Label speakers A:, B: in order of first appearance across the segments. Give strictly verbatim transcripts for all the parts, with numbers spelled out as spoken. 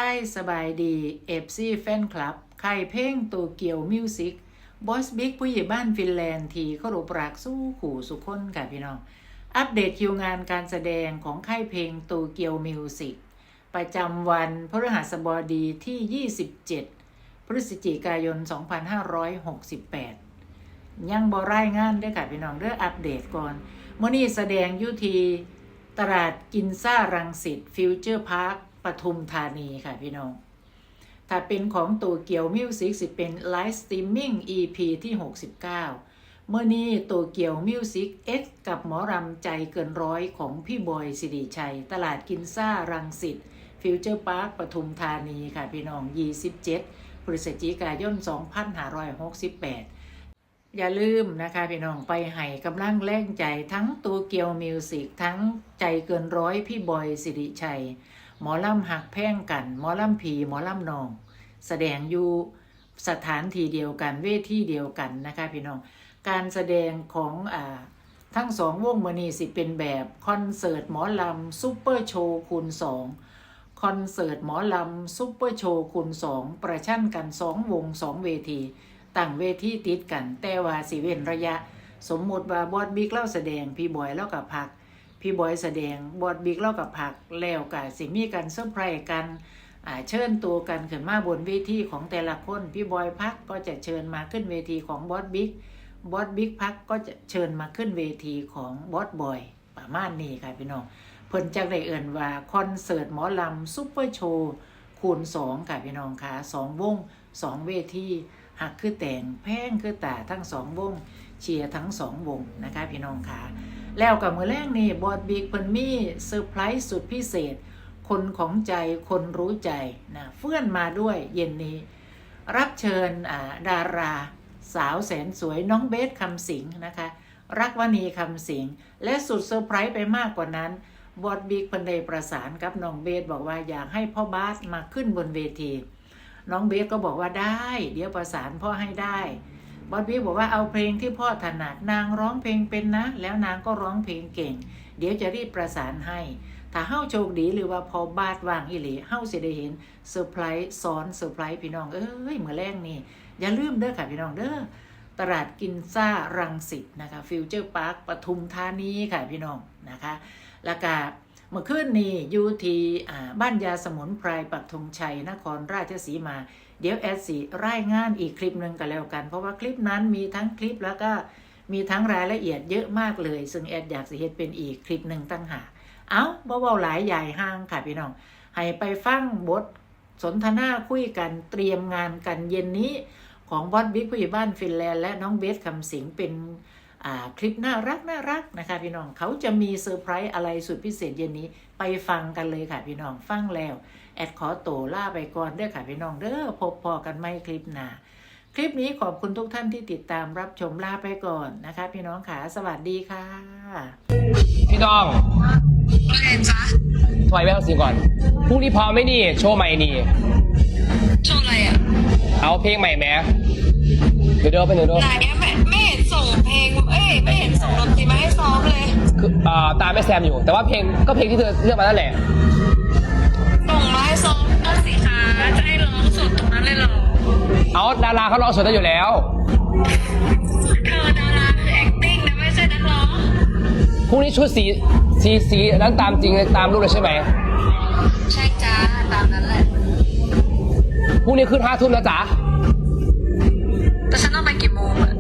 A: ายสบายดีเอฟซีแฟนคลับค่ายเพลงโตเกียวมิวสิกบอสบิ๊กผู้ใหญ่บ้านฟินแลนด์ที่เคารพรักสู้ขู่สุขคนค่ะพี่น้องอัปเดตคิวงานการแสดงของค่ายเพลงโตเกียวมิวสิกประจำวันพฤหัสบดีที่ยี่สิบเจ็ดพฤศจิกายนสองพันห้าร้อยหกสิบแปดยังบ่รายงานได้ค่ะพี่น้องเด้ออัปเดตก่อนมื้อนี้แสดงอยู่ที่ตลาดกินซ่ารังสิตฟิวเจอร์พาร์คปทุมธานีค่ะพี่น้องถ้าเป็นของโตเกียวมิวสิกสิเป็นไลฟ์สตรีมมิ่ง อี พี ที่หกสิบเก้าเมื่อนี้โตเกียวมิวสิก X กับหมอรำใจเกินร้อยของพี่บอยสิริชัยตลาดกินซ่ารังสิตฟิวเจอร์พาร์คปทุมธานีค่ะพี่น้องยี่สิบเจ็ดพฤศจิกายนสองพันห้าร้อยหกสิบแปดอย่าลืมนะคะพี่น้องไปให้กำลังแรงใจทั้งโตเกียวมิวสิกทั้งใจเกินร้อยพี่บอยสิริชัยหมอลำหักแพ่งกันหมอลำผีหมอลำนองแสดงอยู่สถานที่เดียวกันเวทีเดียวกันนะคะพี่น้องการแสดงของอ่าทั้งสองวงมื้อนี้สิเป็นแบบคอนเสิร์ตหมอลำซุปเปอร์โชว์คูณสองคอนเสิร์ตหมอลำซุปเปอร์โชว์คูณสองประชันกันสองวงสองเวทีตั้งเวทีติดกันแต่ว่าสิเว้นระยะสมมติว่าบอสบิ๊กเล่าแสดงพี่บอยเล่ากับพักพี่บอยแสดงบอสบิ๊กเล่ากับพักแล้วก็สิมีกันเซอร์ไพรส์กันอ่าเชิญตัวกันขึ้นมาบนเวทีของแต่ละคนพี่บอยพักก็จะเชิญมาขึ้นเวทีของบอสบิ๊กบอสบิ๊กพักก็จะเชิญมาขึ้นเวทีของบอสบอยประมาณนี้ค่ะพี่น้องเพิ่นจักได้เอิ่นว่าคอนเสิร์ตหมอลำซุปเปอร์โชว์คูณสองค่ะพี่น้องค่ะสองวงสองเวทีหักคือแต่งแพงคือตาทั้งสองวงเชียร์ทั้งสองวงนะคะพี่น้องค่ะแล้วกับมื้อแรกนี่บอสบิ๊กเพิ่นมีเซอร์ไพรส์สุดพิเศษคนของใจคนรู้ใจนะเฟื่อนมาด้วยเย็นนี้รับเชิญอ่าดาราสาวแสนสวยน้องเบสคำสิงนะคะรักวณีคำสิงและสุดเซอร์ไพรส์ไปมากกว่านั้นบอสบิ๊กเพิ่นได้ประสานกับน้องเบสบอกว่าอยากให้พ่อบาสมาขึ้นบนเวทีน้องเบสก็บอกว่าได้เดี๋ยวประสานพ่อให้ได้บอสบิ๊กบอกว่าเอาเพลงที่พ่อถนัดนางร้องเพลงเป็นนะแล้วนางก็ร้องเพลงเก่งเดี๋ยวจะรีบประสานให้ถ้าเฮ้าโชคดีหรือว่าพอบาสว่างอีหลีเฮ้าสิได้เห็นเซอร์ไพรส์ซ้อนเซอร์ไพรส์พี่น้องเอ้ยเมื่อแรกนี่อย่าลืมเด้อค่ะพี่น้องเด้อตลาดกินซ่ารังสิตนะคะฟิวเจอร์พาร์คปทุมธานีค่ะพี่น้องนะคะแล้วก็เมื่อคืนนี้อยู่ที่บ้านยาสมุนไพรปักธงชัยนครราชสีมาเดี๋ยวแอดสิรายงานอีกคลิปหนึ่งกันแล้วกันเพราะว่าคลิปนั้นมีทั้งคลิปแล้วก็มีทั้งรายละเอียดเยอะมากเลยซึ่งแอดอยากสิเฮ็ดเป็นอีกคลิปหนึ่งตั้งหากเอ้าเบาๆหลายใหญ่ห้างค่ะพี่น้องให้ไปฟังบทสนทนาคุยกันเตรียมงานกันเย็นนี้ของบอสบิ๊กผู้ใหญ่บ้านฟินแลนด์และน้องเบสคำสิงเป็นคลิปน่ารักน่ารักนะคะพี่น้องเขาจะมีเซอร์ไพรส์อะไรสุดพิเศษเย็นนี้ไปฟังกันเลยค่ะพี่น้องฟังแล้วแอดขอโตล่าไปก่อนเด้อค่ะพี่น้องเด้อพบพอกันไม่คลิปหน้าคลิปนี้ขอบคุณทุกท่านที่ติดตามรับชมลาไปก่อนนะคะพี่น้องค่ะสวัสดีค่ะ
B: พี่น้องว่าไงจ๊ะถอยไปเอาสิก่อนพรุ่งนี้พร้อมไหมนี่โชว์ใหม่นี่
C: โชว์อะไรอ่ะ
B: เอาเพลงใหม่แม้เดี๋ยวเดี๋ยวไปเดี๋ยวเดี๋ยว
C: ไหนไม่ไม่เห็นส่งเพลงเอ้ยไม่เห็นส่งดนตรีมาให้ซ้อมเลย
B: คืออ่าตามแม่แซมอยู่แต่ว่าเพลงก็เพลงที่เธอเลือกมานั่นแหละ
C: ส่งมาให้ซ้อมก็สิคะจะให้ร้องสดตรงนั้นเลยเหรอ
B: เอาดาราเขาร้องสดได้อยู่แล้ว
C: เธอดาราคือ acting นะไม่ใช่นักร้อง
B: พรุ่งนี้ชุดสีสีสีนั้นตามจริงตามรูปเลยใช่ไหม
C: ใช่จ้าตามนั้นแหละ
B: พรุ่งนี้ขึ้นห้าทุ่มนะจ๊ะ
C: แต่ฉันต้องไปกี่โมงอะ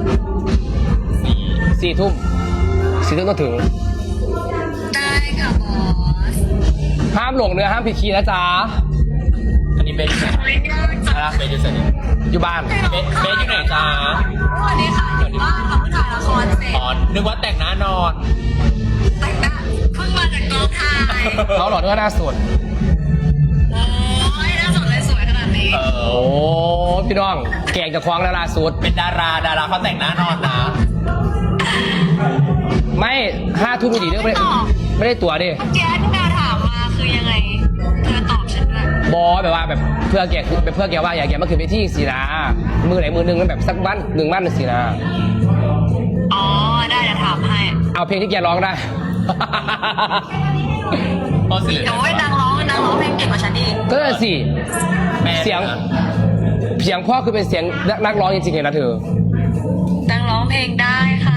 B: สี่ทุ่มสี่ทุ่มต้องถึง
C: ได้ค่ะบอส
B: ห้ามหลงเนื้อห้ามผิดคีย์นะจ๊ะ
D: อันนี้เบสอยู่ไหนอะไรเบสอยู่ไหน
B: อยู่บ้าน
D: เบสเบสอยู่ไหนจ๊ะ
C: สวัสดีค่ะอยู่บ้านค่ะเพิ่งถ่ายละครเสร็จ
D: อ๋อนึกว่าแต่งหน้านอน
C: แต่งหน้าเพิ่งมาจากกองถ่าย
B: เขาหล่อเนื้อหน้าสด
C: โอ้ยหน้าสดเลยสวยขนาดนี้
B: โอ้พี่น้องแกงจะคว้างดาราสุด
D: เป็นดาราดาราเขาแต่งหน้านอนนะ
B: ไม่ห้าทุ่มดีเรื่องไม่ได้ไม่ได้ตั๋วดิ
C: เมื่อกี้ที่ดาถามมาคือยังไงเธอตอบฉันเลย
B: บอแบบว่าแบบเพื่อแกคือเพื่อแกว่าอยากแกมาคืนไปที่สีนามือไหนมือหนึ่งแล้วแบบสักบ้านหนึ่งบ้านหนึ่งสีนา
C: อ๋อได้จะถามให้
B: เอาเพลงที่แกร้องได้
D: พอสิ
C: โอ้ยนางร้องนักร้องเพลงเก่งกว่าฉันอีก
B: ก็เลยสิ
D: แม่
B: เสียงเสียงพ่อคือเป็นเสียงนักร้องจริงๆเลยนะเธอ
C: นักร้องเพลงได้ค่ะ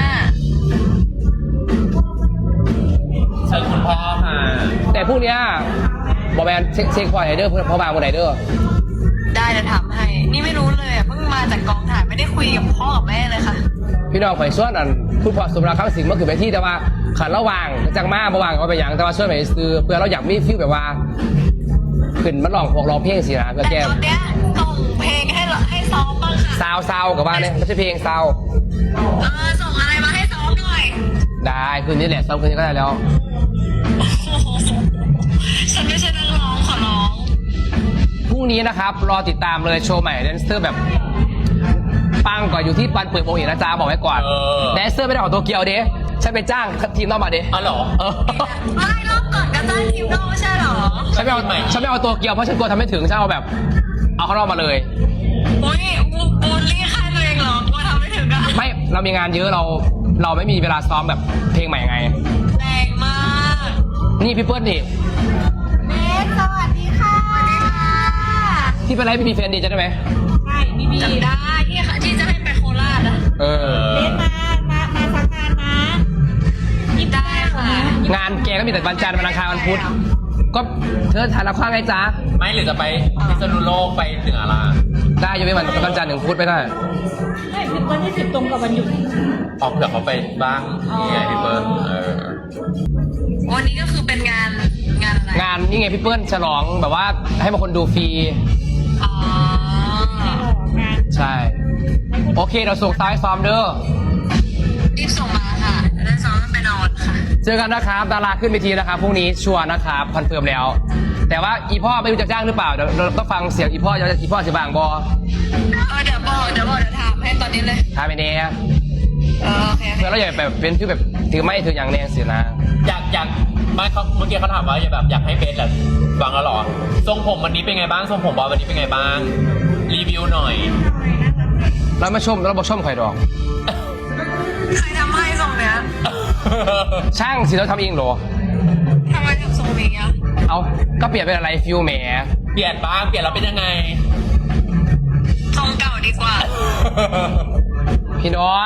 D: เชิญคุณพ่อค่ะ
B: แต่พวกเนี้ยบอกแมนเช็คเช็คพอไหนเด้อเพื่อนพ่อบางคนไหนเด้อ
C: ได้เดี๋ยวทำให้ นี่ไม่รู้เลยอ่ะเพิ่งมาจากกองถ่ายไม่ได้คุยกับพ่อกับแม่เลยค่ะ
B: พี่น้องข่อยส่วนอันคุณพ่อสมรักคำสิงเมื่อคืนไปที่แต่ว่าขันระหว่างจังมาระหว่างเอาไปอย่างแต่ว่าส่วนไหนซื้อเพื่อเราอยากมีฟิลแบบว่าขึ้นมาลองพวกร้องเพลงสินะเพื่อ
C: แต่
B: แก้
C: ตอนเนี้ยส่งเพลงให้เราให้ซ้อมบ้างค่ะ
B: ซาวซาวกับว่าเนี่ยไม่ใช่เพลงซาว
C: เออส่งอะไรมาให้ซ้อมหน่อย
B: ได้คืนนี้แหละซ้อมคืนนี้ก็ได้แล้ว
C: โอ้โหฉันไม่ใช่นักร้องขอร้อง
B: พรุ่งนี้นะครับรอติดตามเลยโชว์ใหม่แดนเซอร์แบบปังกว่าอยู่ที่ปันเปิดโมงอีกนะจ๊ะบอกไว้ก่อน
D: เออ
B: แดนเซอร์ไม่ได้ออกตัวเกียวเด้ฉันไปจ้างทีมนอกมาเด้
D: อ๋อเหรอ
B: เออ
C: ไม่รอบก่อนก็ตั้งทีมนอกไม่ใช่เหรอ
B: ฉันไม่เอาฉันไม่เอาตัวเกียวเพราะฉันกลัวทำไม่ถึงฉันเอาแบบเอาเขานอกมาเลย
C: โอ้ยบูบูลลี่ค่ายตัวเองเหรอว่าทำไม่ถึงอะ
B: ไม่เรามีงานเยอะเราเราไม่มีเวลาซ้อมแบบเพลงใหม่ไง
C: แรงมาก
B: นี่พี่เปิ้ลนี่
C: เนสสวัสดีค่ะสวัสดีค่ะ
B: ที่เป็นไรพี่มีแฟนดีจะได้ไหม
C: ใช่มีมีจำได้ที่ค่ะที่จะให้ไปโคราชอะ
B: เออ
C: เนสมา มา มาสักงานนะยิบได้ค่ะ
B: งานแกก็มีแต่วันจันทร์วันอังคารวันพุธก็เธอถ่ายละครไงจ๊ะ
D: ไม่หรือจะไปพิษณุโลกไปเหนือล่ะ
B: ได้ยกเว้นวันวันจันทร์ถึงพุธไม่ได้
C: ไม่ถึงวันที่สิบตรงกับวันหยุด
D: เอาเผื่อเขาไปบ้างนี่ไงพี่เปิ้ลเออ
C: วันนี้ก็คือเป็นงานงานอะไร
B: งานนี่ไงพี่เปิ้ลฉลองแบบว่าให้มาคนดูฟรี
C: อ๋องาน
B: ใช่ โอเคเราส่งซ้ายซ้อมเด้อ
C: รีบส่งมาค่ะจะได้ซ้อมไปนอนค่ะ
B: เจอกันนะครับดาราขึ้นเวทีนะครับพรุ่งนี้ชัวร์นะครับคอนเฟิร์มแล้ว แต่ว่าอีพ่อไม่รู้จะจ้างหรือเปล่าเดี๋ยวเราต้องฟังเสียงอีพ่อจะอีพ่อจะบางบอ
C: เออเดี๋ยวบอกเดี๋ยวบอกเดี๋ยวถามให้ตอนนี้เลย
B: ทายไปเนี้ย
C: เออโอเคโอเค
B: เพื่อเราอย่าแบบเป็นที่แบบถือไม่ถืออย่างแรงเสียนะ
D: อยากอยากไม่เขาเมื่อกี้เขาถามว่าอยากแบบอยากให้เบสแบบฟังแล้วเหรอทรงผมวันนี้เป็นไงบ้างทรงผมบอลวันนี้เป็นไงบ้างรีวิวหน่อย
B: เรามาชมเราบอกชมใครดอก
C: ใครทำให้ทรงเนี้ย
B: ช่างสิเราทำเองเหรอ
C: ทำไมทำทรงนี้อ่ะ
B: เอาก็เปลี่ยนเป็นอะไรฟิวแหม
D: เปลี่ยนบ้างเปลี่ยนแล้วเป็นยังไง
C: ทรงเก่าดีกว่า
B: พี่น้อง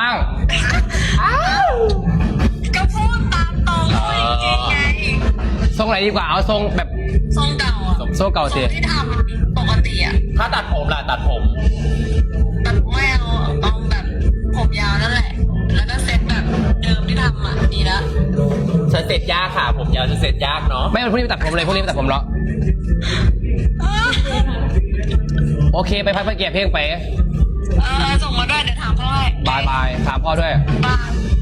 C: ก็พูดตามตรงพูดจริงๆไง
B: ทรงไหนดีกว่าเอาทรงแบบ
C: ทรงเก่าอ่ะ
B: ทรงเก่าสิ
C: ที่ทำปกติอ่ะ
D: ถ้าตัดผมล่ะตัดผม
C: ตัดไม่เอาเอาแบบผมยาวนั่นแหละ แล้วก็เซ็ตแบบเดิมที่ทำอ่ะดีละ
D: จะเสร็จยากค่ะ ผมยาวจะเสร็จยากเนาะ
B: ไม่พรุ่งนี้ไปตัดผมเลยพรุ่งนี้ไปตัดผมเหรอโอเคไปพักไปเก็บเพลงไป
C: เออส่งมาด้วยเดี๋ยวถามพ่อให้
B: บายบายถามพ่อด้วย
C: บาย